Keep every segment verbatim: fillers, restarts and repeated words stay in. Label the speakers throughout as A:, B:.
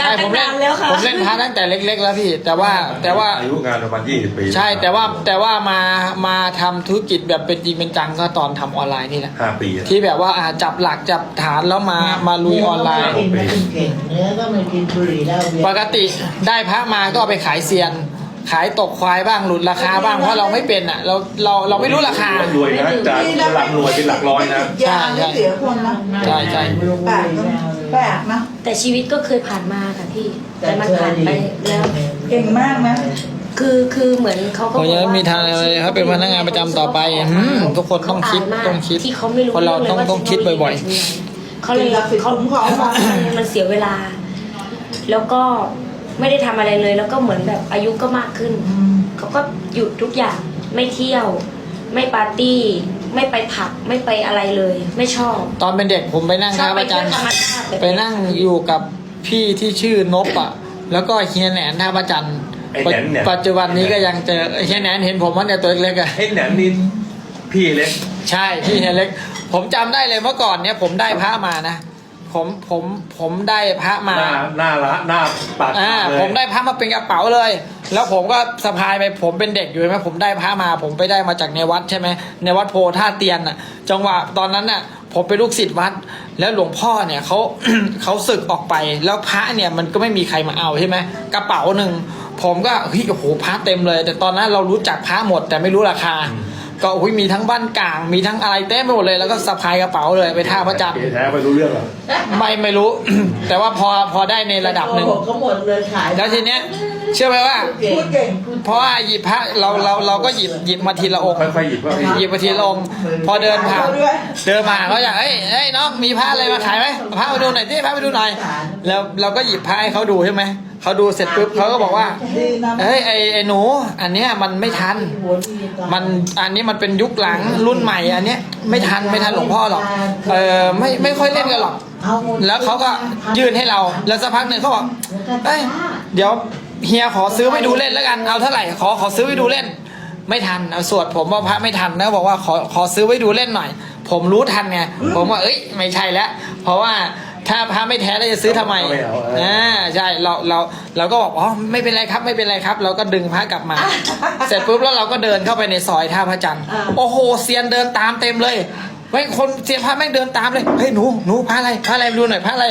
A: ช่ผมเล่นผมเล่นพระตั้งแต่เล็กๆแล้วพี่แต่ว่าแต่ว่า
B: อายุงานประมาณยี่สิบปี
A: ใช่แต่ว่าแต่ว่ามามาทำธุรกิจแบบเป็นจริงเป็นจังก็ตอนทำออนไลน์นี่แหละ
B: ห้าปี
A: ที่แบบว่าจับหลักจับฐานแล้วมามาลุยออนไลน์
C: กินไม่เก่งเนื้อก็ไม่กินบุหรี่แล้ว
A: ปกติได้พระมาก็เอาไปขายเซียนขายตกควายบ้างหลุดราคาบ้างเพราะเราไม่เป็นอ่ะเราเราเราไม่รู้ราคาร
B: วยนะจากหลักรวยเป็นหลักร้อยนะ
C: ยาไม่เสียคนนะ
A: ใช่ใช่
C: แปลกแปลกนะ
D: แต่ชีวิตก็เคยผ่านมาค่ะพี่แต่มันผ่านไปแล้ว
C: เก่งมากนะ
D: คือคือเหมือนเขาก็บอก
A: ว่ามีทางอะไรเขาเป็นพนักงานประจำต่อไปทุกคนต้องคิดต้องคิด
D: ที่เขาไม่รู้
A: คนเราต้องต้องคิดบ่อย
D: ๆเขาเลยเขาเขามองมันเสียเวลาแล้วก็ไม่ได้ทำอะไรเลยแล้วก็เหมือนแบบอายุก็มากขึ้นเขาก็หยุดทุกอย่างไม่เที่ยวไม่ปาร์ตี้ไม่ไปผับไม่ไปอะไรเลยไม่ชอบ
A: ตอนเป็นเด็กผมไปนั่งท่าพระจันทร์ไปนั่งอยู่กับพี่ที่ชื่อนบอ่ะแล้วก็เฮียแหนนท่าพระจันทร์ปัจจุบันนี้ก็ยังเจอเฮียแหนนเห็นผมว่าเนี่ยตัวเล็กๆอ่ะ
B: เฮียแหนนนี่พี่เล็ก
A: ใช่พี่เฮียเล็กผมจำได้เลยเมื่อก่อนเนี่ยผมได้พระมานะผมผมผมได้พระมา
B: หน้าหน้าละหน้าปาก
A: อ่าผมได้พระมาเป็นกระเป๋าเลยแล้วผมก็สะพายไปผมเป็นเด็กอยู่ใช่ไหมผมได้พระมาผมไปได้มาจากในวัดใช่ไหมในวัดโพท่าเตียนอ่ะจังหวะตอนนั้นน่ะผมเป็นลูกศิษย์วัดแล้วหลวงพ่อเนี่ยเขา เขาสึกออกไปแล้วพระเนี่ยมันก็ไม่มีใครมาเอาใช่ไหมกระเป๋าหนึ่งผมก็เฮ้ยโอ้โหพระเต็มเลย แต่ตอนนั้นเรารู้จักพระหมดแต่ไม่รู้ราคาก็อุ้ยมีทั้งบ้านกลางมีทั้งอะไรเต็มไปหมดเลยแล้วก็สะพายกระเป๋าเลยไปท่าพระจันทร์
B: แท้ไม่รู้เรื่องหรอ
A: ไม่ไม่รู้ แต่ว่าพอพอได้ในระดับหนึ่ง
C: ก็หมดเลยขาย
A: แล้วทีเนี้ยเชื่อไหมว่าเพราะว่าหยิบพระเราเราเราก็หยิบหยิบมาทีละองค์
B: ค่อยๆหยิบ
A: หยิบมาทีละองค์พอเดินผ่านเดินมาเขาอยากเอ้ยเอ้ยน้องมีพระอะไรมาขายไหมพระมาดูหน่อยที่พระมาดูหน่อยแล้วเราก็หยิบพระให้เขาดูใช่ไหมเขาดูเสร็จปุ๊บเขาก็บอกว่าเฮ้ยไอ้ไอ้หนูอันเนี้ยมันไม่ทันมันอันนี้มันเป็นยุคหลังรุ่นใหม่อันเนี้ยไม่ทันไม่ทันหลวงพ่อหรอกเออไม่ไม่ค่อยเล่นกันหรอกแล้วเขาก็ยื่นให้เราแล้วสักพักหนึ่งเขาบอกเอ้ยเดี๋ยวเฮียขอซื้อไปดูเล่นแล้วกันเอาเท่าไหร่ขอขอซื้อไปดูเล่นไม่ทันเอาสวดผมว่าพระไม่ทันนะบอกว่าขอขอซื้อไว้ดูเล่นหน่อยผมรู้ทันไงผมว่าเอ้ยไม่ใช่แล้วเพราะว่าถ้าพระไม่แท้เราจะซื้อทำไมอ่าใช่เราเราเราก็บอกอ๋อไม่เป็นไรครับไม่เป็นไรครับเราก็ดึงพระกลับมา เสร็จปุ๊บแล้วเราก็เดินเข้าไปในซอยท่าพระจันทร์โอ้โหเซียนเดินตามเต็มเลยไว้คนเซียนพระแม่งเดินตามเลยเฮ้ยหนูหนูพระอะไรพระอะไรดูหน่อยพระอะไร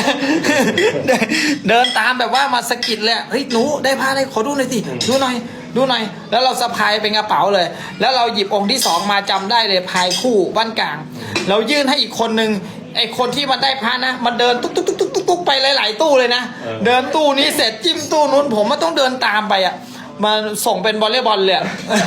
A: เดินตามแบบว่ามาสะกิดเลยเฮ้ยหนูได้พระอะไรขอดูหน่อยสิดูหน่อยดูหน่อยแล้วเราสะพายเป็นกระเป๋าเลยแล้วเราหยิบองค์ที่สองมาจำได้เลยพายคู่บ้านกลางเรายื่นให้อีกคนนึงไอคนที่มันได้พระนะมันเดินตุ๊กตุ๊กตุ๊กตุ๊กตุ๊กไปหลายๆตู้เลยนะเดินตู้นี้เสร็จจิ้มตู้นู้นผมมันต้องเดินตามไปอ่ะมาส่งเป็นวอลเลย์บอลเลย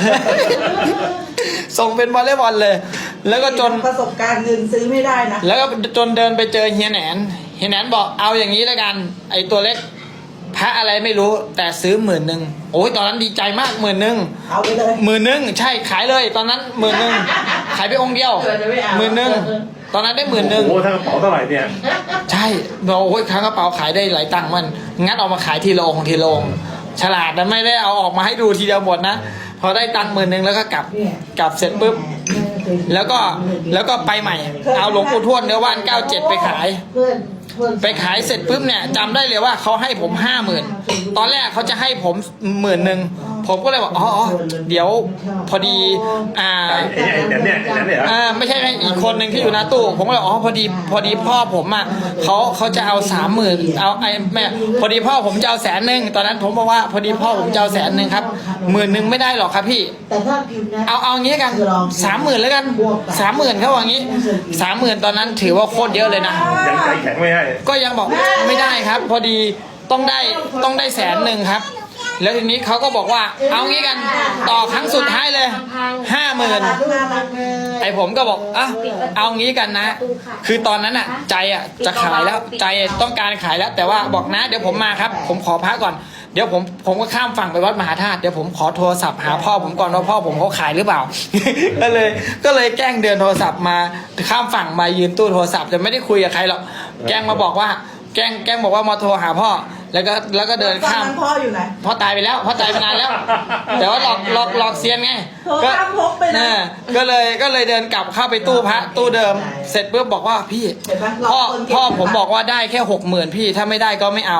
A: ส่งเป็นวอลเลย์บอลเลยแล้วก็จน
C: ประสบการณ์เงินซื้อไม่ได้นะ
A: แล้วก็จนเดินไปเจอเฮียแหนนเฮียแหนนบอกเอาอย่างนี้แล้วกันไอตัวเล็กพระอะไรไม่รู้แต่ซื้อหมื่นหนึ่งโอ้ยตอนนั้นดีใจมากหมื่นหนึ่ง
C: เอาไปเลย
A: หมื่นหนึ่งใช่ขายเลยตอนนั้นหมื่นหนึ่งขายไปองค์เดียวหมื่นหนึ่งตอนนั้นได้หมื่นหนึ่ง
B: โอ้ทั้งกระเป๋าเท่าไหร่เนี่ย
A: ใช่เราโอ้ยครั้งกระเป๋าขายได้หลายตังค์มันงัดออกมาขายทีละองค์ทีละองค์ฉลาดนะไม่ได้เอาออกมาให้ดูทีเดียวหมดนะพอได้ตังค์หมื่นหนึ่งแล้วก็กลับกลับเสร็จปุ๊บแล้วก็แล้วก็ไปใหม่เอาหลวงปู่ทวดเนื้อว่านเก้าเจ็ดไปขายไปขายเสร็จปุ๊บเนี่ยจำได้เลยว่าเขาให้ผมห้าหมื่นตอนแรกเขาจะให้ผมหมื่นหนึ่งผมก็เลยบอกอ๋อเดี๋ยวพอดีอ่า
B: เนี่ยเนี่ย
A: อ่าไม่ใช่อีกคนหนึ่งที่อยู่หน้าตู้ผมก็เลยอ๋อพอดีพอดีพ่อผมอ่ะเขาเขาจะเอาสามหมื่นเอาไอ้แม่พอดีพ่อผมจะเอาแสนหนึ่งตอนนั้นผมบอกว่าพอดีพ่อผมจะเอาแสนหนึ่งครับหมื่นหนึ่งไม่ได้หรอกครับพี่เอาเอางี้กันสามหมื่นแล้วกันสามหมื่นเขาว่างี้สามหมื่นตอนนั้นถือว่าโคตรเยอะเลยนะ
B: ยังใจแข็งไม่ให้
A: ก็ยังบอกไม่ได้ครับพอดีต้องได้ต้องได้แสนหนึ่งครับแล้วทีนี้เขาก็บอกว่าเอางี้กันต่อครั้งสุดท้ายเลยห้าหมื่นไอผมก็บอกอ่ะเอางี้กันนะคือตอนนั้นอ่ะใจอ่ะจะขายแล้วใจต้องการขายแล้วแต่ว่าบอกนะเดี๋ยวผมมาครับผมขอพักก่อนเดี๋ยวผมผมก็ข้ามฝั่งไปวัดมหาธาตุเดี๋ยวผมขอโทรศัพท์หาพ่อผมก่อนว่าพ่อผมเขาขายหรือเปล่า ก็เลยก็เลยแกล้งเดินโทรศัพท์มาข้ามฝั่งมายืนตู้โทรศัพท์แต่ไม่ได้คุยกับใครหรอกแกล้งมาบอกว่าแกล้งแกล้งบอกว่ามาโทรหาพ่อแล้วก็แล้วก็เดินข้าม
C: พ่ออยู่ไหน
A: พ่อตายไปแล้วพ่อตายไปนานแล้วแต่ว่าหลอกหลอกหลอกเซียนไง
C: ก็พกไปนะ
A: ก็เลยก็เลยเดินกลับเข้าไปตู้พระตู้เดิมเสร็จปุ๊บบอกว่าพี่พ่อพ่อผมบอกว่าได้แค่หกหมื่นพี่ถ้าไม่ได้ก็ไม่เอา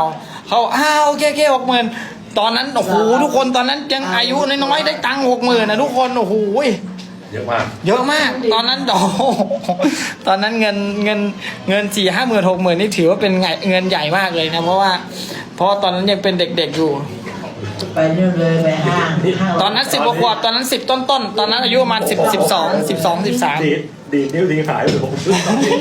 A: เขาอ้าวโอเคโอเคหกหมื่นตอนนั้นโอ้โหทุกคนตอนนั้นยังอายุน้อยๆได้ตังค์หกหมื่นนะทุกคนโอ้โห
B: เยอะมาก
A: เยอะมาก ตอนนั้นโอ้โหตอนนั้นเงินเงินเงินสี่ห้าหมื่นหกหมื่นนี่ถือว่าเป็นไงเงินใหญ่มากเลยนะเพราะว่าเพราะว่าตอนนั้นยังเป็นเด็กๆอยู่
C: ไปนู่นเลยไปห้างห้าง
A: ตอนนั้นสิบกว่าตอนนั้นสิบต้นต้นๆตอนนั้นอายุประมาณสิบสิบสองสิบสองสิบสาม
B: ดีดดีดนิ้วดีขายอยู่ผมซื้อตอนนี้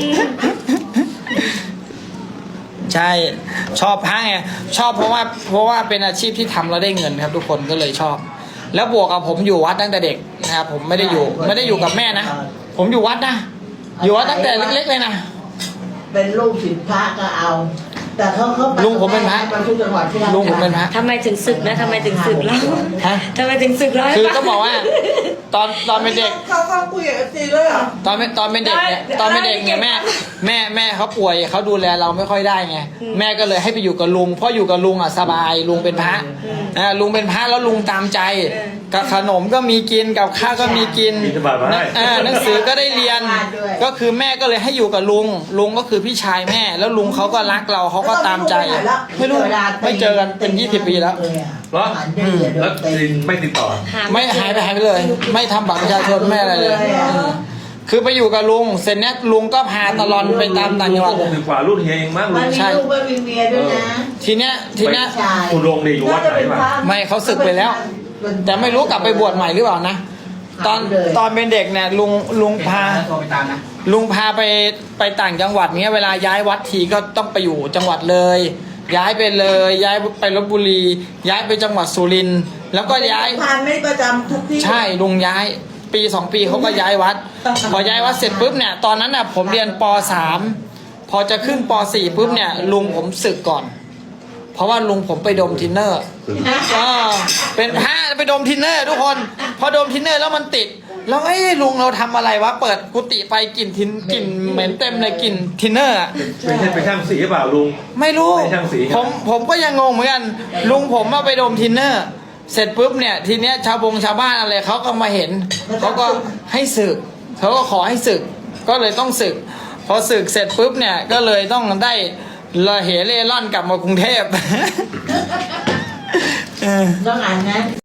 A: ใช่ชอบพระไงชอบเพราะว่าเพราะว่าเป็นอาชีพที่ทำแล้วได้เงินครับ ทุกคนก็เลยชอบ แล้วบวกกับผมอยู่วัดตั้งแต่เด็กนะครับผมไม่ได้อยู่ไม่ได้อยู่กับแม่นะผมอยู่วัดนะอยู่วัดตั้งแต่เล็กๆเลยนะ
C: เป็นลูกศิษย์พระก็เอา แต่เขาเขาไป
A: ลุงผมเป็นพระ
C: ไปทุกจังหวัดที่รา
A: ลุงผมเป็นพระ
D: ทำไมถึงศึกนะทำไมถึงศึกแล้ว
A: ฮะ
D: ทำไมถึงศึกแล้ว
A: คือต้องบอกว่า ตอนตอนเป็นเด็ก
C: เขาเขาคุยกับเอฟซีด้วยเหรอ
A: ตอนเป็นตอนเป็นเด็กเนี่ยตอนเป็นเด็กเนี่ยแม่แม่แม่เขาป่วยเขาดูแลเราไม่ค่อยได้ไงแม่ก็เลยให้ไปอยู่กับลุงเพราะอยู่กับลุงอ่ะสบายลุงเป็นพระอ่าลุงเป็นพระแล้วลุงตามใจกับขนมก็มีกินกับข้าวก็มีกิน
B: บิณฑบาตมาให้
A: อ่าหนังสือก็ได้เรียน ก็คือแม่ก็เลยให้อยู่กับลุงลุงก็คือพี่ชายแม่ แล้วลุงเขาก็รักเราเขาก็ตามใจ ไม่รู้ไม่เจอกันเป็นยี่สิบปีแล้ว
B: เหรอแล้วไม่ติดต่อ
A: ไม่หายไปหายไปเลย ไม่ทำบัตรประชาชนไม่อะไรเลย คือไปอยู่กับลุงเสร็จเนี้ยลุงก็พาตลอดไปตามต่างจังหวัด
B: หกสิบกว่ารุ่นเฮียเองมั้ง
C: มั
B: ลุ
C: น
B: ง
C: มีลูกไม่มีเมียด้วยนะ
A: ทีเนี้ยทีเนี้ย
C: ใช่
B: คุณลงดีอยู่วัดไหนวะ
A: ไม่เขาศึกไปแล้ว แต่ไม่รู้กลับไปบวชใหม่หรือเปล่านะ ตอนตอนเป็นเด็กเนี่ยลุงลุงพาลุงพาไปไปต่างจังหวัดเนี้ยเวลาย้ายวัดทีก็ต้องไปอยู่จังหวัดเลย ย้ายไปเลย ย้ายไปลบบุรี ย้ายไปจังหวัดสุรินทร์แล้วก็ย้าย
C: ทานไม่ประจำทุกที่
A: ใช่ลุงย้ายปีสองปีเขาก็ย้ายวัด พอย้ายวัดเสร็จปุ๊บเนี่ยตอนนั้นน่ะผมเรียนปสามพอจะขึ้นปสี่ปุ๊บเนี่ยลุงผมสึกก่อน เพราะว่าลุงผมไปดมทินเนอร์อ่าเป็นพระไปดมทินเนอร์ทุกคนพอดมทินเนอร์แล้วมันติดแล้วเอ้ยลุงเราทำอะไรวะเปิดกุฏิไปกลิ่นทินกลิ่นเหม็นเต็มเลยกลิ่นทินเนอร์อะ
B: เป็นเป็นช่างสีหรือเปล่าลุง
A: ไม่รู้
B: ไม่ช่างสีครับ
A: ผมผมก็ยังงงเหมือนกันลุงผมมาไปดมทินเนอร์ เสร็จปุ๊บเนี่ยทีเนี้ยชาวบงชาวบ้านอะไรเขาก็มาเห็นเขาก็ให้สึกเขาก็ขอให้สึกก็เลยต้องสึก พอสึกเสร็จปุ๊บเนี่ยก็เลยต้องได้ระเหเร่ร่อนกลับมากรุงเทพ
C: ต้องอ่านนะ